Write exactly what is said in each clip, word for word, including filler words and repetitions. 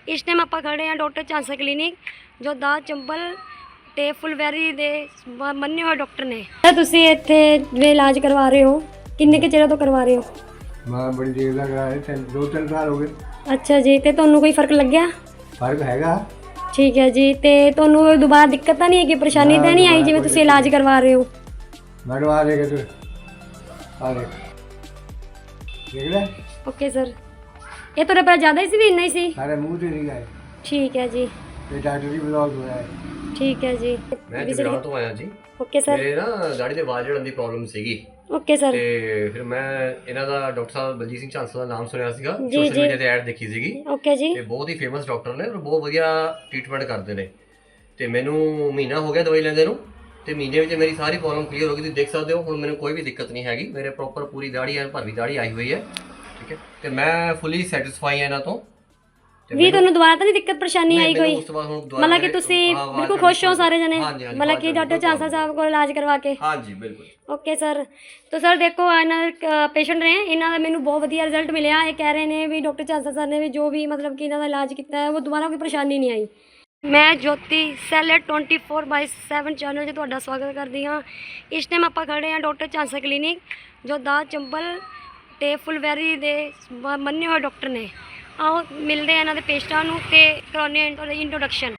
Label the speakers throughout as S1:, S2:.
S1: इस टाइम आप खड़े हैं डॉक्टर चांसा क्लिनिक जो दात चंबल ਤੇ ਫੁਲਵੈਰੀ ਦੇ ਮੰਨੇ ਹੋਏ ਡਾਕਟਰ ਨੇ। ਤੁਸੀਂ ਇੱਥੇ ਵੇ ਇਲਾਜ ਕਰਵਾ ਰਹੇ ਹੋ, ਕਿੰਨੇ ਕੁ ਚਿਰ ਤੋਂ ਕਰਵਾ ਰਹੇ ਹੋ?
S2: ਮੈਂ ਬੜੀ ਦੇਰ ਦਾ ਕਰਾ ਰਿਹਾ, ਤਿੰਨ ਦੋ ਤਿੰਨ ਸਾਲ ਹੋ ਗਏ।
S1: ਅੱਛਾ ਜੀ, ਤੇ ਤੁਹਾਨੂੰ ਕੋਈ ਫਰਕ ਲੱਗਿਆ?
S2: ਫਰਕ ਹੈਗਾ।
S1: ਠੀਕ ਹੈ ਜੀ, ਤੇ ਤੁਹਾਨੂੰ ਦੁਬਾਰਾ ਦਿੱਕਤ ਤਾਂ ਨਹੀਂ ਹੈਗੀ, ਪਰੇਸ਼ਾਨੀ ਤਾਂ ਨਹੀਂ ਆਈ ਜਿਵੇਂ ਤੁਸੀਂ ਇਲਾਜ ਕਰਵਾ ਰਹੇ ਹੋ?
S2: ਮੈਂ ਦਵਾ ਦੇ ਕੇ ਤੂੰ ਆ ਦੇ ਦੇਖ ਲੈ।
S1: ਓਕੇ ਸਰ, ਇਹ ਤੁਹਾਡੇ ਪਰ ਜ਼ਿਆਦਾ ਹੀ ਸੀ ਵੀ ਇੰਨਾ ਹੀ ਸੀ?
S2: ਸਾਰੇ ਮੂੰਹ ਤੇ ਨਹੀਂ ਗਏ।
S1: ਠੀਕ ਹੈ ਜੀ,
S2: ਇਹ ਡਾਕਟਰ ਦੀ ਬਲੌਗ ਹੋਇਆ ਹੈ।
S1: ਠੀਕ ਹੈ ਜੀ।
S3: ਮੈਂ ਜਗਰਾਉਂ ਤੋਂ ਆਇਆ ਜੀ।
S1: Okay sir.
S3: ਮੇਰੇ ਨਾ ਗਾੜੀ ਦੇ ਆਵਾਜ਼ ਜੜਨ ਦੀ ਪ੍ਰੋਬਲਮ ਸੀਗੀ।
S1: Okay sir.
S3: ਤੇ ਫਿਰ ਮੈਂ ਇਹਨਾਂ ਦਾ ਡਾਕਟਰ ਸਾਹਿਬ ਬਲਜੀਤ ਸਿੰਘ ਚਾਂਸਾ ਦਾ ਨਾਮ ਸੁਣਿਆ ਸੀਗਾ,
S1: ਜੀ,
S3: ਸੋਸ਼ਲ
S1: ਜੀ।
S3: ਮੀਡੀਆ ਤੇ ਐਡ ਦੇਖੀ ਸੀਗੀ।
S1: ਓਕੇ ਜੀ।
S3: ਤੇ ਬਹੁਤ ਹੀ ਫੇਮਸ ਡਾਕਟਰ ਨੇ ਔਰ ਬਹੁਤ ਵਧੀਆ ਟ੍ਰੀਟਮੈਂਟ ਕਰਦੇ ਨੇ। ਤੇ ਮੈਨੂੰ ਮਹੀਨਾ ਹੋ ਗਿਆ ਦਵਾਈ ਲੈਂਦੇ ਨੂੰ, ਤੇ ਮਹੀਨੇ ਵਿੱਚ ਮੇਰੀ ਸਾਰੀ ਪ੍ਰੋਬਲਮ ਕਲੀਅਰ ਹੋ ਗਈ। ਤੁਸੀਂ ਦੇਖ ਸਕਦੇ ਹੋ ਹੁਣ ਮੈਨੂੰ ਕੋਈ ਵੀ ਦਿੱਕਤ ਨਹੀਂ ਹੈਗੀ। ਮੇਰੇ ਪ੍ਰੋਪਰ ਪੂਰੀ ਦਾੜੀ ਐ, ਭਰਵੀਂ ਦਾੜੀ ਆਈ ਹੋਈ ਹੈ। ਠੀਕ ਹੈ, ਤੇ ਮੈਂ ਫੁੱਲੀ ਸੈਟੀਸਫਾਈ ਹਾਂ ਇਹਨਾਂ ਤੋਂ।
S1: ਵੀ ਤੁਹਾਨੂੰ ਦੁਬਾਰਾ ਤਾਂ ਨਹੀਂ ਦਿੱਕਤ ਪਰੇਸ਼ਾਨੀ ਆਈ ਕੋਈ? ਮਤਲਬ ਕਿ ਤੁਸੀਂ ਬਿਲਕੁਲ ਖੁਸ਼ ਹੋ ਸਾਰੇ ਜਣੇ, ਮਤਲਬ ਕਿ ਡਾਕਟਰ ਚਾਂਸਾ ਸਾਹਿਬ ਕੋਲ ਇਲਾਜ ਕਰਵਾ ਕੇ?
S3: ਹਾਂਜੀ ਬਿਲਕੁਲ।
S1: Okay sir. ਤਾਂ ਸਰ ਦੇਖੋ ਇਹਨਾਂ ਦੇ ਪੇਸ਼ੈਂਟ ਨੇ, ਇਹਨਾਂ ਦਾ ਮੈਨੂੰ ਬਹੁਤ ਵਧੀਆ ਰਿਜ਼ਲਟ ਮਿਲਿਆ। ਇਹ ਕਹਿ ਰਹੇ ਨੇ ਵੀ ਡਾਕਟਰ ਚਾਂਸਾ ਸਰ ਨੇ ਵੀ ਜੋ ਵੀ ਮਤਲਬ ਕਿ ਇਹਨਾਂ ਦਾ ਇਲਾਜ ਕੀਤਾ ਹੈ ਉਹ ਦੁਬਾਰਾ ਕੋਈ ਪਰੇਸ਼ਾਨੀ ਨਹੀਂ ਆਈ। ਮੈਂ ਜੋਤੀ ਸੈਲਰ twenty four by seven channel 'ਤੇ ਤੁਹਾਡਾ ਸਵਾਗਤ ਕਰਦੀ ਹਾਂ। ਇਸ ਟਾਈਮ ਆਪਾਂ ਖੜੇ ਹਾਂ ਡਾਕਟਰ ਚਾਂਸਾ ਕਲੀਨਿਕ ਜੋ ਦਾਤ ਚੰਬਲ ਤੇ ਫੁਲਵੈਰੀ ਦੇ ਮੰਨੇ ਹੋਏ ਡਾਕਟਰ ਨੇ। ਆਓ ਮਿਲਦੇ ਆ ਇਹਨਾਂ ਦੇ ਪੇਸ਼ੈਂਟਾਂ ਨੂੰ ਤੇ ਕਰਾਉਂਦੇ ਹਾਂ ਇੰਟਰੋਡਕਸ਼ਨ।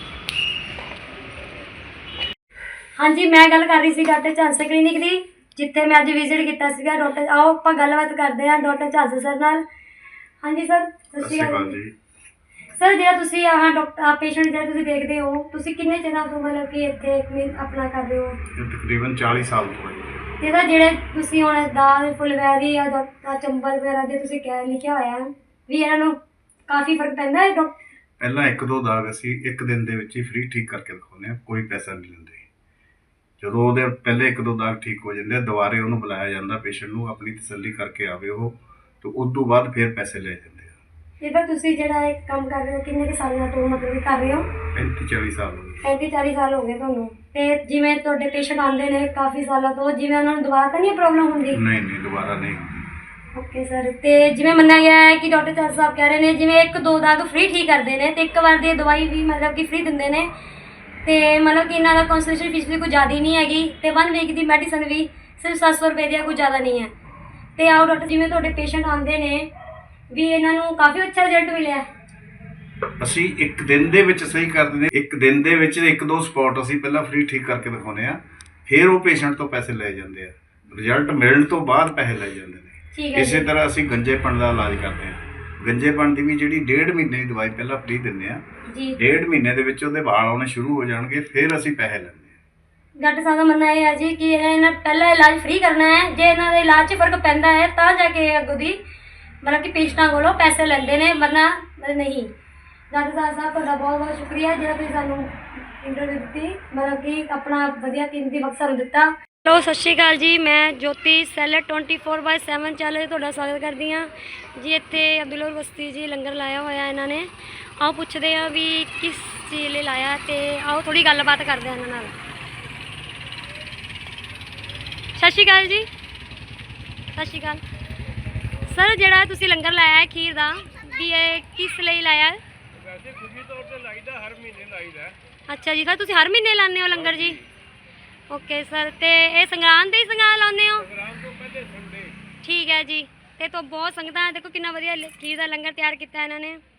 S1: ਹਾਂਜੀ, ਮੈਂ ਗੱਲ ਕਰ ਰਹੀ ਸੀ ਡਾਕਟਰ ਚਾਂਸਾ ਕਲੀਨਿਕ ਦੀ, ਜਿੱਥੇ ਮੈਂ ਅੱਜ ਵਿਜ਼ਿਟ ਕੀਤਾ ਸੀਗਾ ਡਾਕਟਰ। ਆਓ ਆਪਾਂ ਗੱਲਬਾਤ ਕਰਦੇ ਹਾਂ ਡਾਕਟਰ ਚਾਂਸਾ ਸਰ ਨਾਲ। ਹਾਂਜੀ ਸਰ, ਸਤਿ ਸ਼੍ਰੀ ਅਕਾਲ ਜੀ। ਸਰ, ਜਿਹੜਾ ਤੁਸੀਂ ਆਹ ਡਾਕਟਰ ਪੇਸ਼ੈਂਟ ਜਿਹੜਾ ਤੁਸੀਂ ਦੇਖਦੇ ਹੋ, ਤੁਸੀਂ ਕਿੰਨੇ ਚਿਰਾਂ ਤੋਂ ਮਤਲਬ ਕਿ ਇੱਥੇ ਆਪਣਾ ਕਰ ਰਹੇ ਹੋ?
S4: ਤਕਰੀਬਨ ਚਾਲੀ ਸਾਲ ਤੋਂ ਹੈ।
S1: ਤੇ ਸਰ ਜਿਹੜੇ ਤੁਸੀਂ ਹੁਣ ਦਾਲ ਫੁਲਵੈਰੀ ਜਾਂ ਚੰਬਲ ਵਗੈਰਾ ਦੇ ਤੁਸੀਂ ਕਹਿ ਲਿਖਿਆ ਹੋਇਆ ਵੀ ਇਹਨਾਂ ਨੂੰ ਕਾਫੀ ਫਰਕ ਪੈਂਦਾ ਹੈ?
S4: ਪਹਿਲਾਂ ਇੱਕ ਦੋ ਦਾਗ ਅਸੀਂ ਇੱਕ ਦਿਨ ਦੇ ਵਿੱਚ ਹੀ ਫ੍ਰੀ ਠੀਕ ਕਰਕੇ ਦਿਖਾਉਂਦੇ ਹਾਂ, ਕੋਈ ਪੈਸਾ ਨਹੀਂ ਲੈਂਦੇ। ਜਦੋਂ ਉਹਦੇ ਪਹਿਲੇ ਇੱਕ ਦੋ ਦਾਗ ਠੀਕ ਹੋ ਜਾਂਦੇ ਆ, ਦੁਬਾਰੇ ਉਹਨੂੰ ਬੁਲਾਇਆ ਜਾਂਦਾ ਪੇਸ਼ੈਂਟ ਨੂੰ, ਆਪਣੀ ਤਸੱਲੀ ਕਰਕੇ ਆਵੇ ਉਹ, ਤੇ ਉਸ ਤੋਂ ਬਾਅਦ ਫਿਰ ਪੈਸੇ ਲਏ ਜਾਂਦੇ ਆ।
S1: ਤੇ ਫਿਰ ਤੁਸੀਂ ਜਿਹੜਾ ਇਹ ਕੰਮ ਕਰ ਰਹੇ ਹੋ ਕਿੰਨੇ ਕੁ ਸਾਲਾਂ ਤੋਂ ਮਤਲਬ ਕਰ ਰਹੇ ਹੋ?
S4: ਪੈਂਤੀ ਚਾਲੀ ਸਾਲ ਹੋ ਗਏ।
S1: ਪੈਂਤੀ ਚਾਲੀ ਸਾਲ ਹੋ ਗਏ ਤੁਹਾਨੂੰ। ਤੇ ਜਿਵੇਂ ਤੁਹਾਡੇ ਪੇਸ਼ੈਂਟ ਆਉਂਦੇ ਨੇ ਕਾਫੀ ਸਾਲਾਂ ਤੋਂ, ਜਿਵੇਂ ਉਹਨਾਂ ਨੂੰ ਦੁਬਾਰਾ ਤਾਂ ਨਹੀਂ ਪ੍ਰੋਬਲਮ ਹੁੰਦੀ?
S4: ਨਹੀਂ ਨਹੀਂ, ਦੁਬਾਰਾ ਨਹੀਂ ਹੁੰਦੀ।
S1: Okay sir. ਤੇ ਜਿਵੇਂ ਮੰਨਿਆ ਗਿਆ ਹੈ ਕਿ ਡਾਕਟਰ ਚਾਂਸਾ ਸਾਹਿਬ ਕਹਿ ਰਹੇ ਨੇ ਜਿਵੇਂ ਇੱਕ ਦੋ ਦਾਗ ਫ੍ਰੀ ਠੀਕ ਕਰਦੇ ਨੇ ਤੇ ਇੱਕ ਵਾਰ ਦੀ ਦਵਾਈ ਵੀ ਮਤਲਬ ਕਿ ਫ੍ਰੀ ਦਿੰਦੇ ਨੇ, ਤੇ ਮਤਲਬ ਕਿ ਇਹਨਾਂ ਦਾ ਕੰਸਲਟੇਸ਼ਨ ਫੀਸ ਵੀ ਕੋਈ ਜ਼ਿਆਦਾ ਨਹੀਂ ਹੈਗੀ, ਤੇ ਵਨ ਵੀਕ ਦੀ ਮੈਡੀਸਨ ਵੀ ਸਿਰਫ ਸੱਤ ਸੌ ਰੁਪਏ ਦੀ ਆ, ਕੋਈ ਜ਼ਿਆਦਾ ਨਹੀਂ ਹੈ। ਤੇ ਆਓ ਡਾਕਟਰ, ਜਿਵੇਂ ਤੁਹਾਡੇ ਪੇਸ਼ੈਂਟ ਆਉਂਦੇ ਨੇ ਵੀ ਇਹਨਾਂ ਨੂੰ ਕਾਫੀ ਅੱਛਾ ਰਿਜ਼ਲਟ ਮਿਲਿਆ।
S4: ਅਸੀਂ ਇੱਕ ਦਿਨ ਦੇ ਵਿੱਚ ਸਹੀ ਕਰ ਦਿੰਦੇ, ਇੱਕ ਦਿਨ ਦੇ ਵਿੱਚ ਇੱਕ ਦੋ ਸਪੌਟ ਅਸੀਂ ਪਹਿਲਾਂ ਫ੍ਰੀ ਠੀਕ ਕਰਕੇ ਦਿਖਾਉਂਦੇ ਆ, ਫਿਰ ਉਹ ਪੇਸ਼ੈਂਟ ਤੋਂ ਪੈਸੇ ਲਏ ਜਾਂਦੇ ਆ। ਰਿਜ਼ਲਟ ਮਿਲਣ ਤੋਂ ਬਾਅਦ ਪੈਸੇ ਲਏ ਜਾਂਦੇ ਨੇ। ਇਸੇ ਤਰ੍ਹਾਂ ਅਸੀਂ ਗੰਜੇਪਣ ਦਾ ਇਲਾਜ ਕਰਦੇ ਹਾਂ। ਗੰਜੇਪਣ ਦੀ ਵੀ ਜਿਹੜੀ ਡੇਢ ਮਹੀਨੇ ਦੀ ਦਵਾਈ ਪਹਿਲਾਂ ਫ੍ਰੀ ਦਿੰਦੇ ਆ, ਡੇਢ ਮਹੀਨੇ ਦੇ ਵਿੱਚ ਉਹਦੇ ਵਾਲ ਆਉਣੇ ਸ਼ੁਰੂ ਹੋ ਜਾਣਗੇ, ਫਿਰ ਅਸੀਂ ਪੈਸੇ ਲੈਂਦੇ ਹਾਂ।
S1: ਡਾਕਟਰ ਸਾਹਿਬ ਦਾ ਮੰਨਣਾ ਇਹ ਹੈ ਜੀ ਕਿ ਇਹਨਾਂ ਪਹਿਲਾਂ ਇਲਾਜ ਫ੍ਰੀ ਕਰਨਾ ਹੈ, ਜੇ ਇਹਨਾਂ ਦੇ ਇਲਾਜ 'ਚ ਫਰਕ ਪੈਂਦਾ ਹੈ ਤਾਂ ਜਾ ਕੇ ਅੱਗੋਂ ਦੀ ਮਤਲਬ ਕਿ ਪੇਸ਼ੈਂਟਾਂ ਕੋਲੋਂ ਪੈਸੇ ਲੈਂਦੇ ਨੇ, ਵਰਨਾ ਨਹੀਂ। ਡਾਕਟਰ ਸਾਹਿਬ ਸਾਹਿਬ ਤੁਹਾਡਾ ਬਹੁਤ ਬਹੁਤ ਸ਼ੁਕਰੀਆ ਜਿਹੜਾ ਤੁਸੀਂ ਸਾਨੂੰ ਇੰਟਰਵਿਊ ਦਿੱਤੀ, ਮਤਲਬ ਕਿ ਆਪਣਾ ਵਧੀਆ ਕੀਮਤੀ ਵਕਤ ਸਾਨੂੰ ਦਿੱਤਾ। ਹੈਲੋ, ਸਤਿ ਸ਼੍ਰੀ ਅਕਾਲ ਜੀ। ਮੈਂ ਜੋਤੀ ਸੈਲਰ twenty four by seven channel 'ਤੇ ਤੁਹਾਡਾ ਸਵਾਗਤ ਕਰਦੀ ਹਾਂ ਜੀ। ਇੱਥੇ ਅਬਦੁੱਲਾ ਬਸਤੀ ਜੀ ਲੰਗਰ ਲਾਇਆ ਹੋਇਆ ਇਹਨਾਂ ਨੇ। ਆਓ ਪੁੱਛਦੇ ਹਾਂ ਵੀ ਕਿਸ ਚੀਜ਼ ਲਈ ਲਾਇਆ, ਤੇ ਆਓ ਥੋੜ੍ਹੀ ਗੱਲਬਾਤ ਕਰਦੇ ਹਾਂ ਇਹਨਾਂ ਨਾਲ। ਸਤਿ ਸ਼੍ਰੀ ਅਕਾਲ ਜੀ। ਸਤਿ ਸ਼੍ਰੀ ਅਕਾਲ ਸਰ, ਜਿਹੜਾ ਤੁਸੀਂ ਲੰਗਰ ਲਾਇਆ ਹੈ ਖੀਰ ਦਾ, ਵੀ ਇਹ ਕਿਸ ਲਈ ਲਾਇਆ ਹੈ?
S5: ਵੈਸੇ ਖੁਸ਼ੀ ਤੌਰ ਤੇ ਲਾਈਦਾ, ਹਰ ਮਹੀਨੇ ਲਾਈਦਾ।
S1: ਅੱਛਾ ਜੀ ਸਰ, ਤੁਸੀਂ ਹਰ ਮਹੀਨੇ ਲਾਉਂਦੇ ਹੋ ਲੰਗਰ ਜੀ? Okay sir. ਤੇ ਇਹ ਸੰਗਰਾਂਦ ਦੇ ਹੀ ਸੰਗਰਾਂਦ ਲਾਉਂਦੇ ਹੋ?
S5: ਸੰਗਰਾਂਦ ਤੋਂ ਪਹਿਲੇ ਸੰਡੇ।
S1: ਠੀਕ ਹੈ ਜੀ। ਤੇ ਤੋਂ ਬਹੁਤ ਸੰਗਤਾਂ ਦੇਖੋ ਕਿੰਨਾ ਵਧੀਆ ਖੀਰ ਦਾ ਲੰਗਰ ਤਿਆਰ ਕੀਤਾ ਇਹਨਾਂ ਨੇ।